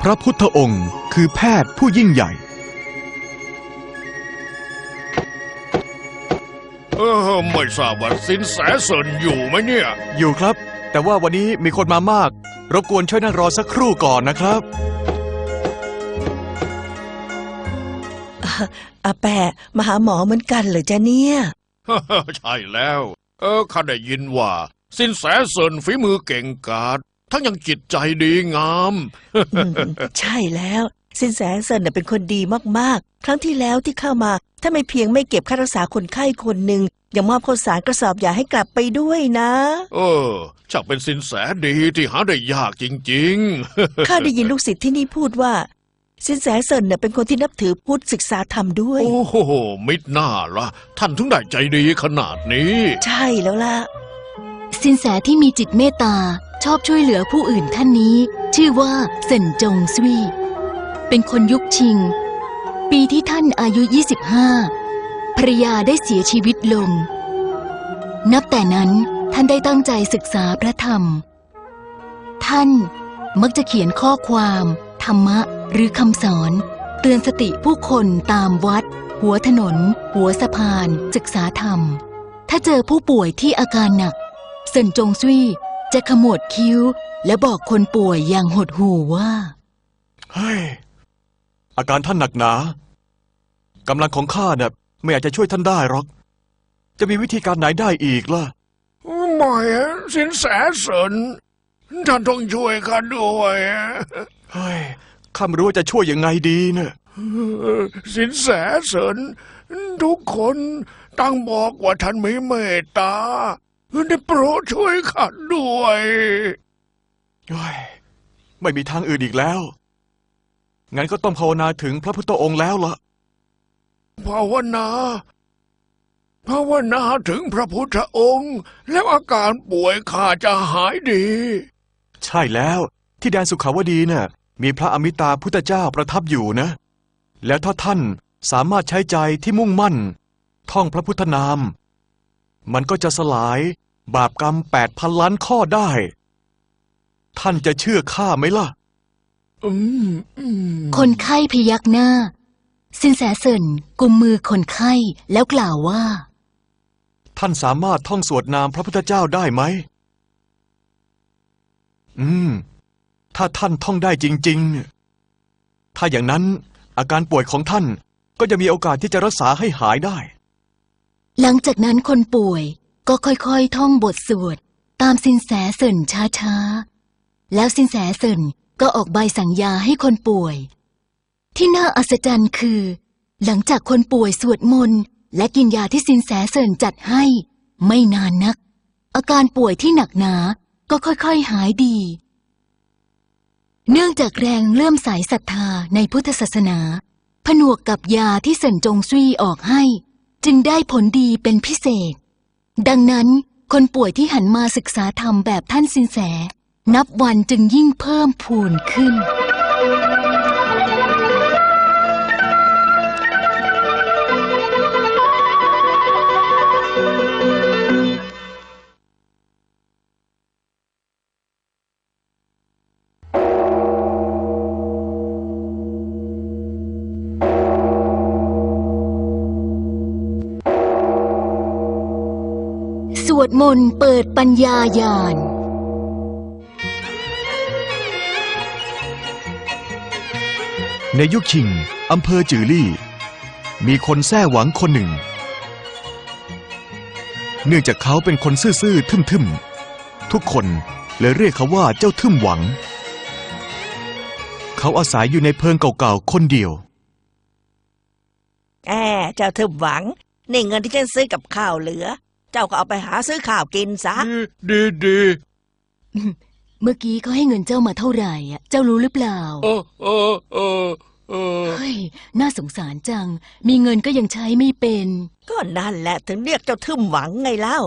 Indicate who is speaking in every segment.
Speaker 1: พระพุทธองค์คือแพทย์ผู้ยิ่งใหญ่
Speaker 2: ไม่ทราบว่าสินแสเซินอยู่ไหมเนี่ย
Speaker 1: อยู่ครับแต่ว่าวันนี้มีคนมามากรบกวนช่วยนั่งรอสักครู่ก่อนนะครับ
Speaker 3: อาแปะมาหาหมอเหมือนกันเหรอจ๊ะเนี่ย
Speaker 2: ใช่แล้วข้าได้ยินว่าสินแสเซินฝีมือเก่งกาจทั้งยังจิตใจดีงาม
Speaker 3: ใช่แล้วสินแสเซินเป็นคนดีมากๆครั้งที่แล้วที่เข้ามาถ้าไม่เพียงไม่เก็บค่ารักษาคนไข้คนหนึ่งยังมอบข้าวสารกระสอบยาให้กลับไปด้วยนะ
Speaker 2: ช่างเป็นสินแสดีที่หาได้ยากจริงๆ
Speaker 3: ข้าได้ยินลูกศิษย์ที่นี่พูดว่าสินแสเซินเป็นคนที่นับถือพุทธศึกษาธรรมด้วย
Speaker 2: โอ้โหมิดหน้าละท่านถึงได้ใจดีขนาดนี้
Speaker 3: ใช่แล้วล่ะ
Speaker 4: สินแสที่มีจิตเมตตาชอบช่วยเหลือผู้อื่นท่านนี้ชื่อว่าเซินจงซุยเป็นคนยุคชิงปีที่ท่านอายุ25ภรรยาได้เสียชีวิตลงนับแต่นั้นท่านได้ตั้งใจศึกษาพระธรรมท่านมักจะเขียนข้อความธรรมะหรือคำสอนเตือนสติผู้คนตามวัดหัวถนนหัวสะพานศึกษาธรรมถ้าเจอผู้ป่วยที่อาการหนักเซินจงซุยจะขมวดคิ้วและบอกคนป่วยอย่างหดหู่ว่า
Speaker 1: เฮ้ยอาการท่านหนักหนากำลังของข้าเนี่ยไม่อาจจะช่วยท่านได้หรอกจะมีวิธีการไหนได้อีกล่ะ
Speaker 2: ไม่สินแสเซินท่านต้องช่วยข้าด้วย
Speaker 1: เฮ้ยข้าไม่รู้ว่าจะช่วยยังไงดีเนี่ย
Speaker 2: สินแสเซินทุกคนต่างบอกว่าท่านมีเมตตาได้โปรดช่วยข้าด้วย
Speaker 1: ไม่มีทางอื่นอีกแล้วงั้นก็ต้องภาวนาถึงพระพุทธองค์แล้วล่ะ
Speaker 2: ภาวนาถึงพระพุทธองค์แล้วอาการป่วยข้าจะหายดี
Speaker 1: ใช่แล้วที่แดนสุขาวดีเนี่ยมีพระอมิตาพุทธเจ้าประทับอยู่นะแล้วถ้าท่านสามารถใช้ใจที่มุ่งมั่นท่องพระพุทธนามมันก็จะสลายบาปกรรม8,000 ล้านข้อได้ท่านจะเชื่อข้าไหมล่ะ
Speaker 4: คนไข้พยักหน้าสินแสเซินกุมมือคนไข้แล้วกล่าวว่า
Speaker 1: ท่านสามารถท่องสวดนามพระพุทธเจ้าได้ไหมถ้าท่านท่องได้จริงๆถ้าอย่างนั้นอาการป่วยของท่านก็จะมีโอกาสที่จะรักษาให้หายได้
Speaker 4: หลังจากนั้นคนป่วยก็ค่อยๆท่องบทสวดตามสินแสเซินช้าๆแล้วสินแสเซินก็ออกใบสั่งยาให้คนป่วยที่น่าอัศจรรย์คือหลังจากคนป่วยสวดมนต์และกินยาที่สินแสเซินจัดให้ไม่นานนักอาการป่วยที่หนักหนาก็ค่อยๆหายดีเนื่องจากแรงเลื่อมใสศรัทธาในพุทธศาสนาผนวกกับยาที่เซินจงซุยออกให้จึงได้ผลดีเป็นพิเศษดังนั้นคนป่วยที่หันมาศึกษาธรรมแบบท่านสินแสนับวันจึงยิ่งเพิ่มพูนขึ้นสวดมนต์เปิดปัญญาญาณ
Speaker 1: ในยุคชิงอำเภอจือลี่มีคนแท้หวังคนหนึ่งเนื่องจากเขาเป็นคนซื่อๆทึ่มๆทุกคนเลยเรียกเขาว่าเจ้าทึ่มหวังเขาอาศัยอยู่ในเพิงเก่าๆคนเดียว
Speaker 3: เจ้าทึ่มหวังนี่เงินที่ฉันซื้อกับข้าวเหลือเจ้าก็เอาไปหาซื้อข้าวกินซะ
Speaker 2: ดี
Speaker 4: เมื่อกี้เขาให้เงินเจ้ามาเท่าไหร่เจ้ารู้หรือเปล่าเฮ้ยน่าสงสารจังมีเงินก็ยังใช้ไม่เป็น
Speaker 3: ก็นั่นแหละถึงเรียกเจ้าทึ่มหวังไงเล่า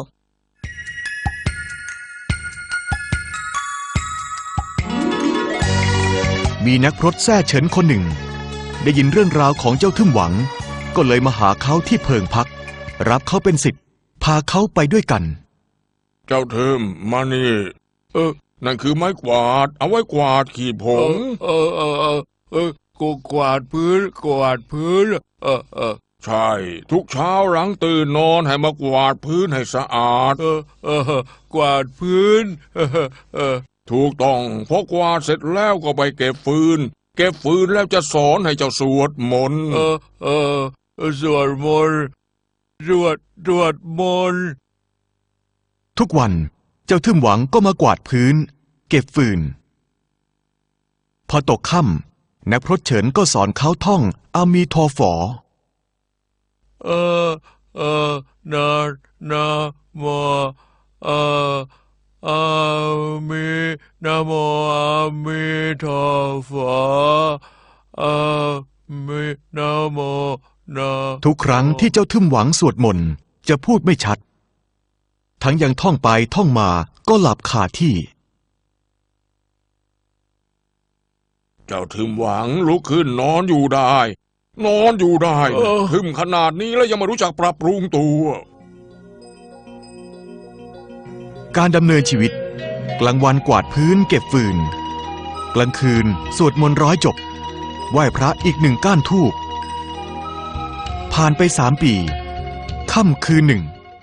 Speaker 1: มีนักพรตแท้เฉินคนหนึ่งได้ยินเรื่องราวของเจ้าทึ่มหวังก็เลยมาหาเขาที่เพิงพักรับเขาเป็นศิษย์พาเขาไปด้วยกัน
Speaker 2: เจ้าทึ่มมานี่
Speaker 5: นั่นคือไม้กวาด เอาไว้กวาดขีดผง
Speaker 2: กูกวาดพื้นกวาดพื้น
Speaker 5: ใช่ ทุกเช้าหลังตื่นนอนให้มากวาดพื้นให้สะอาด
Speaker 2: กวาดพื้น
Speaker 5: ถูกต้องพอกวาดเสร็จแล้วก็ไปเก็บฟืน เก็บฟืนแล้วจะสอนให้เจ้าสวดมนต์
Speaker 2: สวดมนต์สวดมนต์
Speaker 1: ทุกวันเจ้าทึมหวังก็มากวาดพื้น เก็บฟืน พอตกค่ำนักพรตเฉินก็สอนเขาท่องอามีทอฝอ
Speaker 2: นะโมอามินะโมอามิทอฟาอามินะโมนะ
Speaker 1: ทุกครั้งที่เจ้าทึมหวังสวดมนต์จะพูดไม่ชัด ทั้งยังท่องไปท่องมาก็หลับคาที่
Speaker 5: เจ้าถึมหวังลุกขึ้นนอนอยู่ได้ นอนอยู่ได้ถึมขนาดนี้แล้วยังไม่รู้จักปรับปรุงตัว
Speaker 1: การดำเนินชีวิต กลางวันกวาดพื้นเก็บฟืน กลางคืนสวดมนต์ร้อยจบ ไหว้พระอีก1 ก้านธูป ผ่านไป3 ปีค่ำคืนหนึ่ง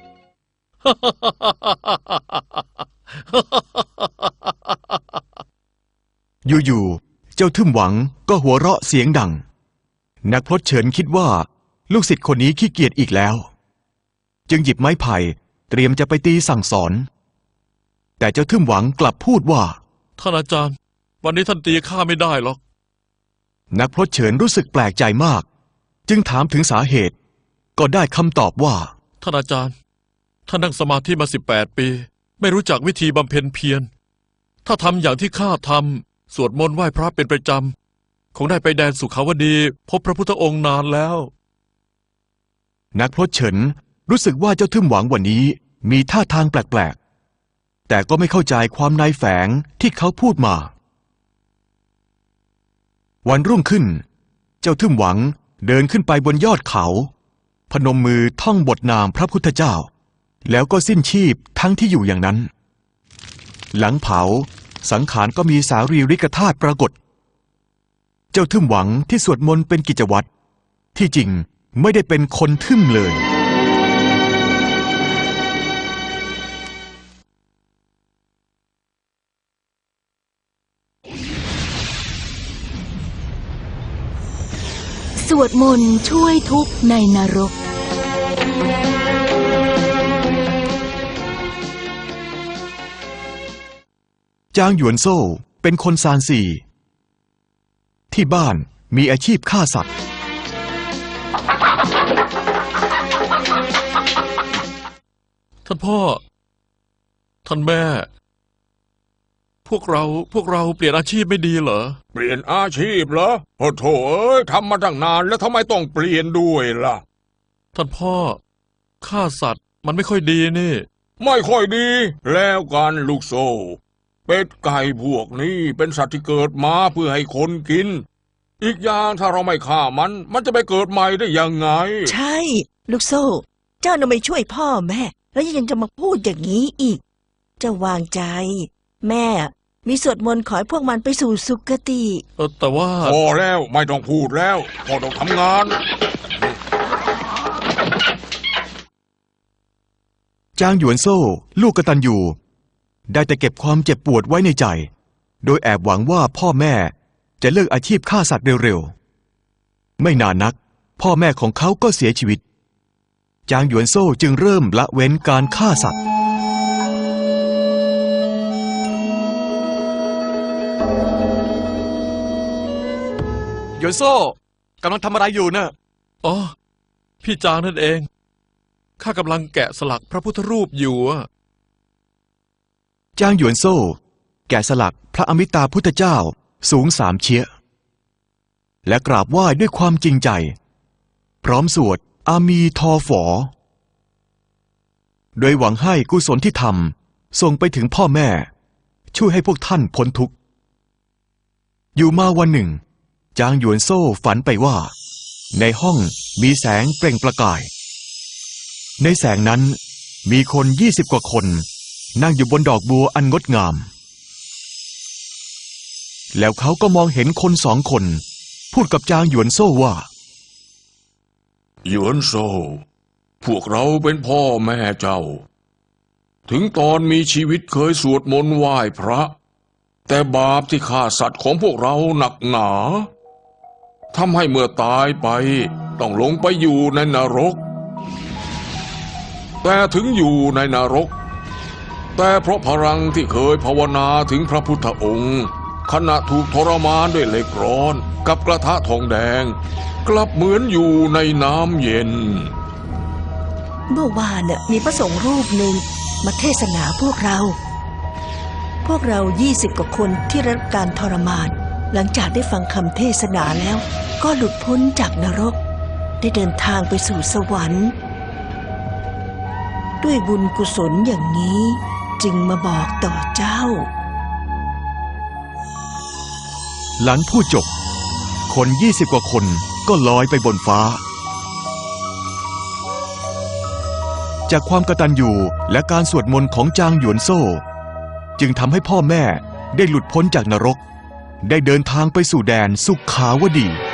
Speaker 1: อยู่ๆเจ้าทึมหวังก็หัวเราะเสียงดัง นักพรตเฉินคิดว่าลูกศิษย์คนนี้ขี้เกียจอีกแล้ว จึงหยิบไม้ไผ่เตรียมจะไปตีสั่งสอน แต่เจ้าทึมหวังกลับพูดว่า
Speaker 6: ท่านอาจารย์ วันนี้ท่านตีข้าไม่ได้หรอก
Speaker 1: นักพรตเฉินรู้สึกแปลกใจมาก จึงถามถึงสาเหตุ ก็ได้คำตอบว่า
Speaker 6: ท่านอาจารย์ ท่านนั่งสมาธิมา18 ปี ไม่รู้จักวิธีบำเพ็ญเพียร ถ้าทำอย่างที่ข้าทำสวดมนต์ไหว้พระเป็นประจำคงได้ไปแดนสุขาวดี พบพระพุทธองค์นานแล้ว
Speaker 1: นักพรตเฉินรู้สึกว่าเจ้าทึมหวังวันนี้มีท่าทางแปลกๆ แต่ก็ไม่เข้าใจความในแฝงที่เขาพูดมา วันรุ่งขึ้น เจ้าทึมหวังเดินขึ้นไปบนยอดเขา พนมมือท่องบทนามพระพุทธเจ้า แล้วก็สิ้นชีพทั้งที่อยู่อย่างนั้น หลังเผาสังขารก็มีสารีริกธาตุปรากฏ เจ้าทึมหวังที่สวดมนต์เป็นกิจวัตรที่จริงไม่ได้เป็นคนทึมเลย
Speaker 4: สวดมนต์ช่วยทุกข์ในนรก
Speaker 1: จางหยวนโซ่เป็นคนซานซีที่บ้านมีอาชีพฆ่าสัตว์
Speaker 6: ท่านพ่อ ท่านแม่ พวกเราเปลี่ยนอาชีพไม่ดีเหรอ
Speaker 5: เปลี่ยนอาชีพเหรอโอ้โถเอ้ยทำมาตั้งนานแล้วทำไมต้องเปลี่ยนด้วยล่ะ
Speaker 6: ท่านพ่อฆ่าสัตว์มันไม่ค่อยดีนี่
Speaker 5: ไม่ค่อยดี แล้วกันลูกโซ่ เป็ดไก่พวกนี้เป็นสัตว์ที่เกิดมาเพื่อให้คนกิน อีกอย่างถ้าเราไม่ฆ่ามันจะไปเกิดใหม่ได้ยังไง
Speaker 3: ใช่ ลูกโซ่ เจ้าน่ะไม่ช่วยพ่อแม่ แล้วยังจะมาพูดอย่างนี้อีก เจ้าวางใจ แม่มีสวดมนต์ขอให้พวกมันไปสู่สุคติ
Speaker 6: แต่ว่า
Speaker 5: พอแล้วไม่ต้องพูดแล้วพอต้องทำงาน
Speaker 1: จางหยวนโซ่ลูกกตัญญูได้แต่เก็บความเจ็บปวดไว้ในใจ โดยแอบหวังว่าพ่อแม่จะเลิกอาชีพฆ่าสัตว์เร็วๆ ไม่นานนัก พ่อแม่ของเขาก็เสียชีวิต จางหยวนโซ่จึงเริ่มละเว้นการฆ่าสัตว์ หยวนโซ่กำลังทำอะไรอยู่นะ
Speaker 6: อ๋อ พี่จางนั่นเอง ข้ากำลังแกะสลักพระพุทธรูปอยู่อะ
Speaker 1: จางหยวนโซ่แกะสลักพระอมิตาพุทธเจ้าสูง3 เชียและกราบไหว้ด้วยความจริงใจ พร้อมสวดอามีทอฝอ โดยหวังให้กุศลที่ทำส่งไปถึงพ่อแม่ ช่วยให้พวกท่านพ้นทุกข์ อยู่มาวันหนึ่ง จางหยวนโซ่ฝันไปว่า ในห้องมีแสงเปล่งประกาย ในแสงนั้นมีคน20 กว่าคนนั่งอยู่บนดอกบัวอันงดงามแล้วเขาก็มองเห็นคนสองคน พูดกับจางหยวนโซ่ว่า
Speaker 5: หยวนโซ พวกเราเป็นพ่อแม่เจ้า ถึงตอนมีชีวิตเคยสวดมนต์ไหว้พระ แต่บาปที่ฆ่าสัตว์ของพวกเราหนักหนาทำให้เมื่อตายไปต้องลงไปอยู่ในนรก แต่ถึงอยู่ในนรก แต่เพราะพลังที่เคยภาวนาถึงพระพุทธองค์ ขณะถูกทรมานด้วยเหล็กร้อนกับกระทะทองแดง กลับเหมือนอยู่ในน้ำเย็น
Speaker 3: เมื่อวานน่ะมีพระสงฆ์รูปหนึ่งมาเทศนาพวกเรา 20 กว่าคนที่รับการทรมาน หลังจากได้ฟังคำเทศนาแล้ว ก็หลุดพ้นจากนรก ได้เดินทางไปสู่สวรรค์ ด้วยบุญกุศลอย่างนี้จึงมาบอกต่อเจ้า
Speaker 1: หลังพูดจบ คน 20 กว่าคนก็ลอยไปบนฟ้า จากความกตัญญูและการสวดมนต์ของจางหยวนโซ่ จึงทำให้พ่อแม่ได้หลุดพ้นจากนรก ได้เดินทางไปสู่แดนสุขาวดี